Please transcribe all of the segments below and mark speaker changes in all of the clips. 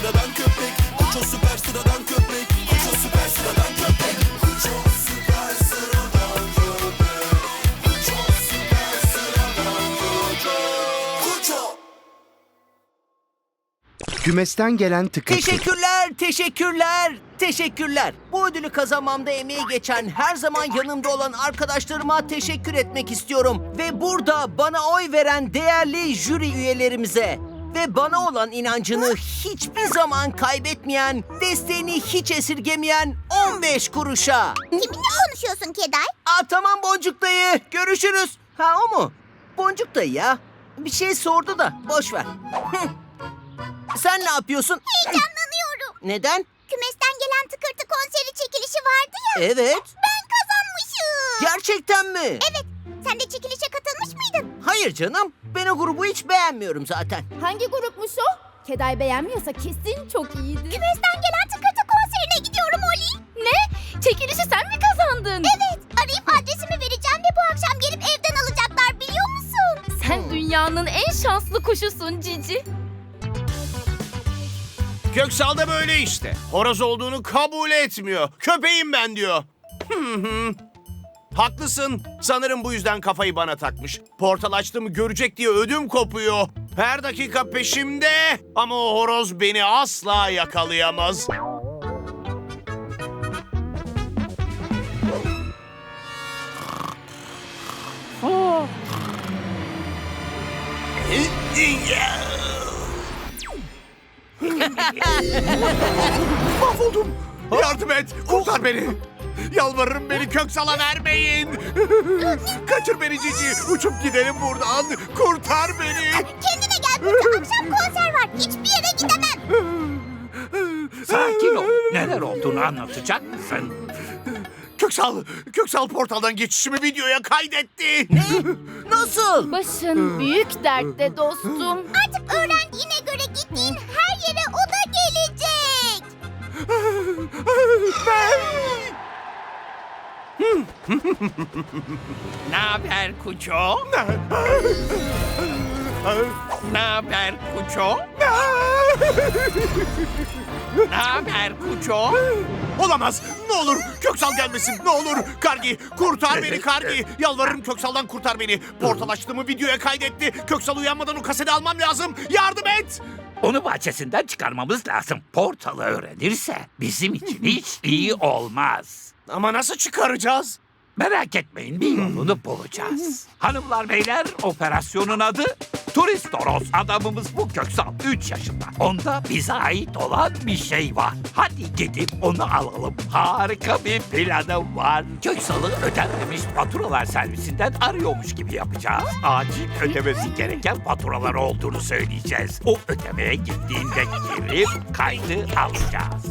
Speaker 1: sıradan köpek. Kuço süper sıradan köpek. Kuço süper sıradan köpek. Kuço süper sıradan köpek. Kuço süper sıradan köpek. Kuço.
Speaker 2: Kümesten gelen tıkırtı.
Speaker 3: Teşekkürler. Bu ödülü kazanmamda emeği geçen, her zaman yanımda olan arkadaşlarıma teşekkür etmek istiyorum. Ve burada bana oy veren değerli jüri üyelerimize ve bana olan inancını hiçbir zaman kaybetmeyen, desteğini hiç esirgemeyen 15 kuruşa.
Speaker 4: Kiminle konuşuyorsun Keday?
Speaker 3: Tamam Boncuk dayı, görüşürüz. Ha, o mu? Boncuk dayı ya. Bir şey sordu da boş ver. Sen ne yapıyorsun?
Speaker 4: Heyecanlanıyorum.
Speaker 3: Neden?
Speaker 4: Kümesten gelen tıkırtı konseri çekilişi vardı ya.
Speaker 3: Evet.
Speaker 4: Ben kazanmışım.
Speaker 3: Gerçekten mi?
Speaker 4: Evet. Sen de çekilişe katılmış mıydın?
Speaker 3: Hayır canım. Ben o grubu hiç beğenmiyorum zaten.
Speaker 5: Hangi grupmuş o? Keday beğenmiyorsa kesin çok iyiydi.
Speaker 4: Kümesten gelen tıkırtı konserine gidiyorum Oli.
Speaker 5: Ne? Çekilişi sen mi kazandın?
Speaker 4: Evet. Arayıp adresimi vereceğim ve bu akşam gelip evden alacaklar, biliyor musun?
Speaker 5: Sen dünyanın en şanslı kuşusun Cici.
Speaker 6: Köksal da böyle işte. Horoz olduğunu kabul etmiyor. Köpeğim ben diyor. Haklısın. Sanırım bu yüzden kafayı bana takmış. Portal açtığımı görecek diye ödüm kopuyor. Her dakika peşimde. Ama o horoz beni asla yakalayamaz. Mahvoldum. Yardım et. Kurtar beni. Yalvarırım, beni Köksal'a vermeyin. Kaçır beni Cici. Uçup gidelim buradan. Kurtar beni.
Speaker 4: Kendine gel, burada akşam konser var. Hiçbir yere gidemem.
Speaker 7: Sakin ol. Neler olduğunu anlatacak mısın?
Speaker 6: Köksal portaldan geçişimi videoya kaydetti.
Speaker 3: Ne? Nasıl?
Speaker 5: Başın büyük dertte dostum.
Speaker 4: Artık öğrendiğine göre gittiğin her yere o da gelecek.
Speaker 7: Ne haber Kuço? Ne haber Kuço? Ne haber Kuço?
Speaker 6: Olamaz. Ne olur Köksal gelmesin. Ne olur. Kargi, kurtar beni Kargi. Yalvarırım, Köksal'dan kurtar beni. Portal açtığımı videoya kaydetti. Köksal uyanmadan o kaseti almam lazım. Yardım et.
Speaker 7: Onu bahçesinden çıkarmamız lazım. Portalı öğrenirse bizim için hiç iyi olmaz.
Speaker 6: Ama nasıl çıkaracağız?
Speaker 7: Merak etmeyin, bir yolunu bulacağız. Hanımlar beyler, operasyonun adı Turist Horoz. Adamımız bu Köksal, 3 yaşında. Onda bize ait olan bir şey var. Hadi gidip onu alalım. Harika bir planım var. Köksal'ı ödenmemiş faturalar servisinden arıyormuş gibi yapacağız. Acil ödemesi gereken faturalar olduğunu söyleyeceğiz. O ödemeye gittiğinde girip kaydı alacağız.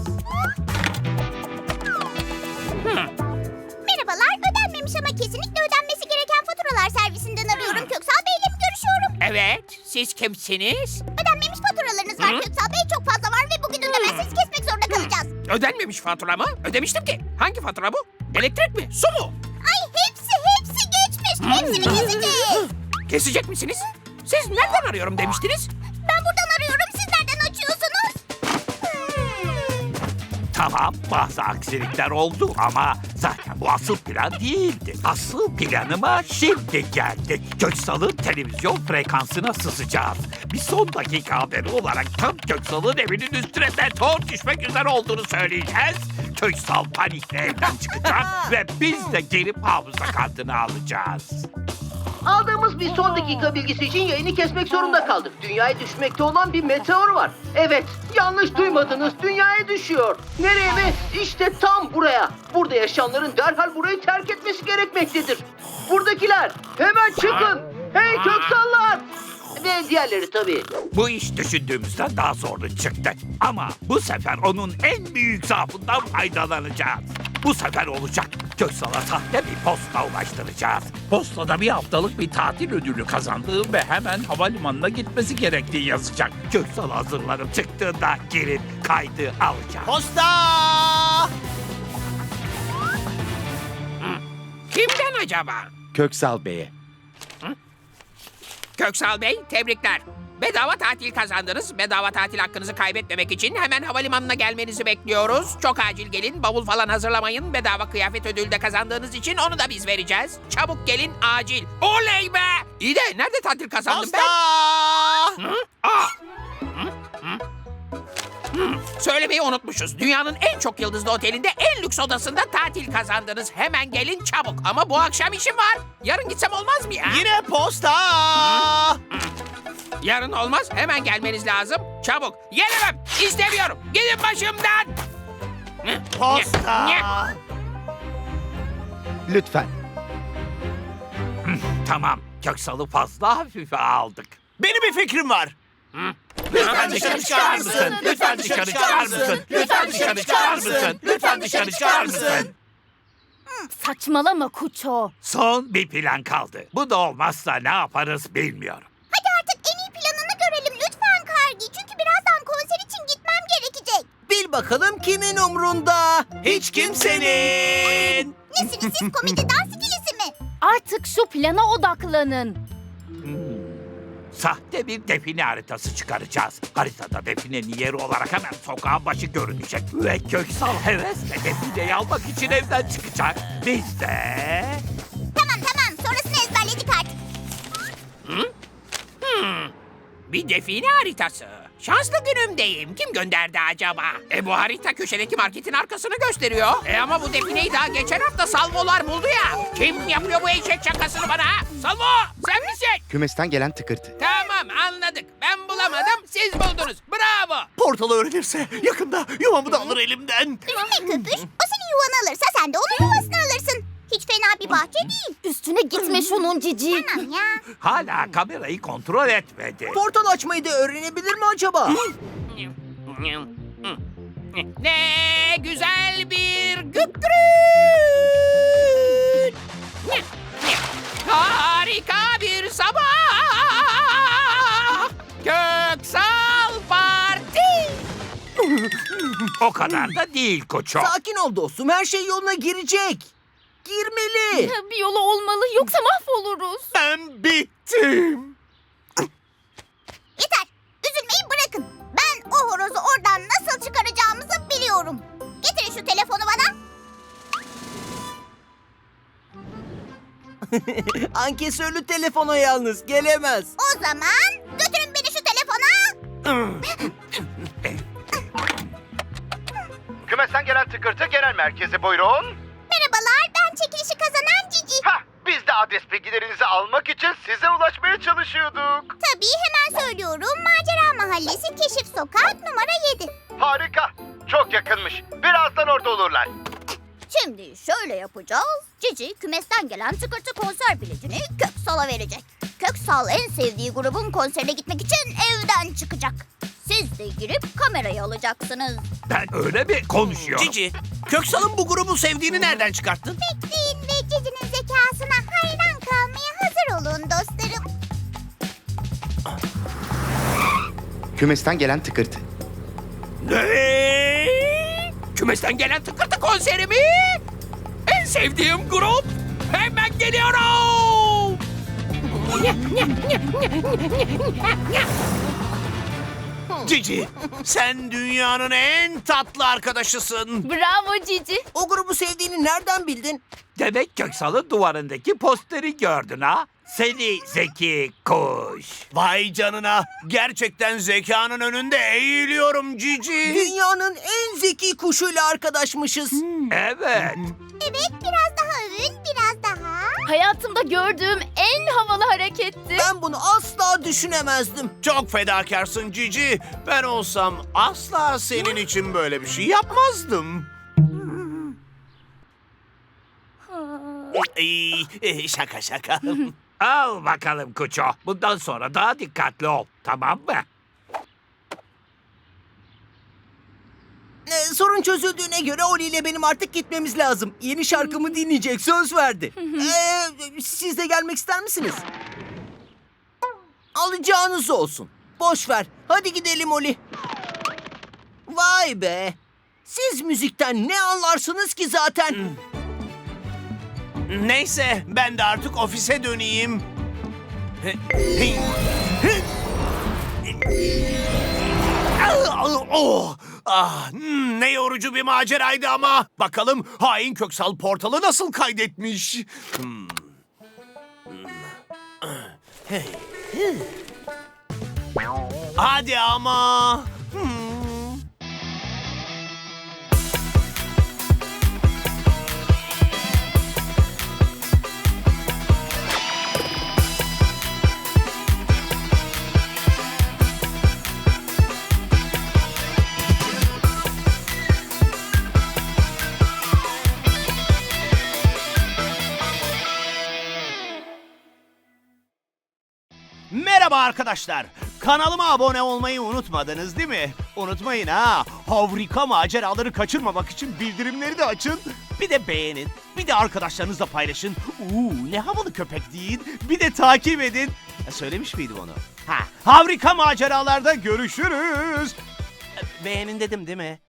Speaker 4: Merhabalar, ödenmemiş ama kesinlikle ödenmesi gereken faturalar servisinden arıyorum. Köksal Bey'le mi görüşüyorum?
Speaker 7: Evet, siz kimsiniz?
Speaker 4: Ödenmemiş faturalarınız var Köksal Bey, çok fazla var ve bugün ödemezseniz kesmek zorunda kalacağız.
Speaker 7: Ödenmemiş fatura mı? Ödemiştim ki. Hangi fatura bu? Elektrik mi? Su mu?
Speaker 4: Ay hepsi geçmiş. Hepsini keseceğiz.
Speaker 7: Kesecek misiniz? Siz nereden arıyorum demiştiniz?
Speaker 4: Ben buradan arıyorum, siz nereden açıyorsunuz?
Speaker 7: Tamam, bazı aksilikler oldu ama zaten bu asıl plan değildi. Asıl planıma şimdi geldik. Köksal'ın televizyon frekansına sızacağız. Bir son dakika haberi olarak tam Köksal'ın evinin üstüne meteor düşmek üzere olduğunu söyleyeceğiz. Köksal panikle evden çıkacak ve biz de gelip hafıza kartını alacağız.
Speaker 3: Aldığımız bir son dakika bilgisi için yayını kesmek zorunda kaldık. Dünyaya düşmekte olan bir meteor var. Evet, yanlış duymadınız. Dünyaya düşüyor. Nereye mi? İşte tam buraya. Burada yaşayanların derhal burayı terk etmesi gerekmektedir. Buradakiler, hemen çıkın. Hey Köksallar! Ve diğerleri tabii.
Speaker 7: Bu iş düşündüğümüzden daha zorlu çıktı. Ama bu sefer onun en büyük zaafından faydalanacağız. Bu sefer olacak. Köksal'a sahte bir posta ulaştıracağız. Postada bir haftalık bir tatil ödülü kazandığı ve hemen havalimanına gitmesi gerektiği yazacak. Köksal hazırlanıp çıktığında girip kaydı alacağız.
Speaker 6: Posta!
Speaker 7: Kimden acaba?
Speaker 2: Köksal Bey'e.
Speaker 7: Köksal Bey, tebrikler.
Speaker 8: Bedava tatil kazandınız. Bedava tatil hakkınızı kaybetmemek için hemen havalimanına gelmenizi bekliyoruz. Çok acil gelin, bavul falan hazırlamayın. Bedava kıyafet ödülü de kazandığınız için onu da biz vereceğiz. Çabuk gelin, acil. Oley be! İyi de nerede tatil kazandım
Speaker 6: Posta!
Speaker 8: ben? Hı? Aa! Söylemeyi unutmuşuz. Dünyanın en çok yıldızlı otelinde en lüks odasında tatil kazandınız. Hemen gelin çabuk. Ama bu akşam işim var. Yarın gitsem olmaz mı ya?
Speaker 6: Yine posta!
Speaker 8: Yarın olmaz. Hemen gelmeniz lazım. Çabuk. Gelemem. İstemiyorum. Gidin başımdan.
Speaker 6: Posta!
Speaker 2: Lütfen.
Speaker 7: Tamam, Köksal'ı fazla hafife aldık.
Speaker 6: Benim bir fikrim var.
Speaker 7: Lütfen dışarı çıkar mısın? Lütfen dışarı çıkar mısın? Lütfen dışarı çıkar mısın? Lütfen dışarı çıkar mısın?
Speaker 5: Saçmalama Kuço.
Speaker 7: Son bir plan kaldı. Bu da olmazsa ne yaparız bilmiyorum.
Speaker 4: Hadi artık en iyi planını görelim lütfen Kargi. Çünkü birazdan konser için gitmem gerekecek.
Speaker 9: Bil bakalım kimin umrunda?
Speaker 6: Hiç kimsenin!
Speaker 4: Nesiniz siz, komedi dans ikilisi mi?
Speaker 5: Artık şu plana odaklanın.
Speaker 7: Sahte bir define haritası çıkaracağız. Haritada definenin yeri olarak hemen sokağın başı görünecek. Ve Köksal hevesle defineyi almak için evden çıkacak. Biz de...
Speaker 4: Tamam sonrasını ezberledik artık.
Speaker 8: Bir define haritası. Şanslı günümdeyim. Kim gönderdi acaba? Bu harita köşedeki marketin arkasını gösteriyor. Ama bu defineyi daha geçen hafta salvolar buldu ya. Kim yapıyor bu eşek şakasını bana ha? Salvo, sen misin?
Speaker 2: Kümesten gelen tıkırtı.
Speaker 8: Tamam, anladık. Ben bulamadım, siz buldunuz. Bravo.
Speaker 6: Portalı öğrenirse yakında yuvamı da alır elimden.
Speaker 4: Üzülme Köpüş. O senin yuvanı alırsa sen de onun yuvasını alırsın. Hiç fena bir bahçe değil.
Speaker 5: Üstüne gitme şunun cici.
Speaker 4: Tamam ya.
Speaker 7: Hala kamerayı kontrol etmedi.
Speaker 9: Portal açmayı da öğrenebilir mi acaba?
Speaker 8: Ne güzel bir gükrün. Harika bir sabah. Köksal Parti.
Speaker 7: O kadar da değil Koço.
Speaker 9: Sakin ol dostum, her şey yoluna girecek. Girmeli.
Speaker 5: Bir yolu olmalı yoksa mahvoluruz.
Speaker 6: Ben bittim.
Speaker 4: Yeter. Üzülmeyi bırakın. Ben o horozu oradan nasıl çıkaracağımızı biliyorum. Getirin şu telefonu bana.
Speaker 9: Ankesörlü telefona yalnız gelemez.
Speaker 4: O zaman götürün beni şu telefona.
Speaker 10: Kümesten gelen tıkırtı genel merkeze buyurun.
Speaker 4: Merhabalar, ben çekilişi kazanan Cici.
Speaker 10: Hah, biz de adres bilgilerinizi almak için size ulaşmaya çalışıyorduk.
Speaker 4: Tabii hemen söylüyorum. Macera Mahallesi, Keşif Sokak, numara 7.
Speaker 10: Harika, çok yakınmış. Birazdan orada olurlar.
Speaker 4: Şimdi şöyle yapacağız. Cici kümesten gelen tıkırtı konser biletini Köksal'a verecek. Köksal en sevdiği grubun konserine gitmek için evden çıkacak. Siz de girip kamerayı alacaksınız.
Speaker 7: Ben öyle mi konuşuyorum?
Speaker 6: Cici, Köksal'ın bu grubu sevdiğini nereden çıkarttın?
Speaker 4: Bekleyin ve Cici'nin zekasına hayran kalmaya hazır olun dostlarım.
Speaker 2: Kümesten gelen tıkırtı.
Speaker 8: Ne? Kümesten gelen tıkırtı konseri mi? En sevdiğim grup. Hemen geliyorum.
Speaker 6: Cici, sen dünyanın en tatlı arkadaşısın.
Speaker 5: Bravo cici.
Speaker 9: O grubu sevdiğini nereden bildin?
Speaker 7: Demek Köksal'ın duvarındaki posteri gördün ha? Seni zeki kuş.
Speaker 6: Vay canına, gerçekten zekanın önünde eğiliyorum Cici.
Speaker 9: Dünyanın en zeki kuşuyla arkadaşmışız.
Speaker 7: Evet.
Speaker 4: Evet, biraz daha övün, biraz daha.
Speaker 5: Hayatımda gördüğüm en havalı hareketti.
Speaker 9: Ben bunu asla düşünemezdim.
Speaker 6: Çok fedakarsın Cici. Ben olsam asla senin için böyle bir şey yapmazdım. Şaka şaka.
Speaker 7: Al bakalım Kuço. Bundan sonra daha dikkatli ol. Tamam mı?
Speaker 9: Sorun çözüldüğüne göre Oli ile benim artık gitmemiz lazım. Yeni şarkımı dinleyecek, söz verdi. Siz de gelmek ister misiniz? Alacağınız olsun. Boş ver. Hadi gidelim Oli. Vay be. Siz müzikten ne anlarsınız ki zaten?
Speaker 6: Neyse, ben de artık ofise döneyim. Ne yorucu bir maceraydı ama. Bakalım hain Köksal portalı nasıl kaydetmiş? Hadi ama. Merhaba arkadaşlar. Kanalıma abone olmayı unutmadınız değil mi? Unutmayın ha. Harika maceraları kaçırmamak için bildirimleri de açın. Bir de beğenin. Bir de arkadaşlarınızla paylaşın. Ne havalı köpek deyin. Bir de takip edin. Söylemiş miydim onu? Harika maceralarda görüşürüz. Beğenin dedim değil mi?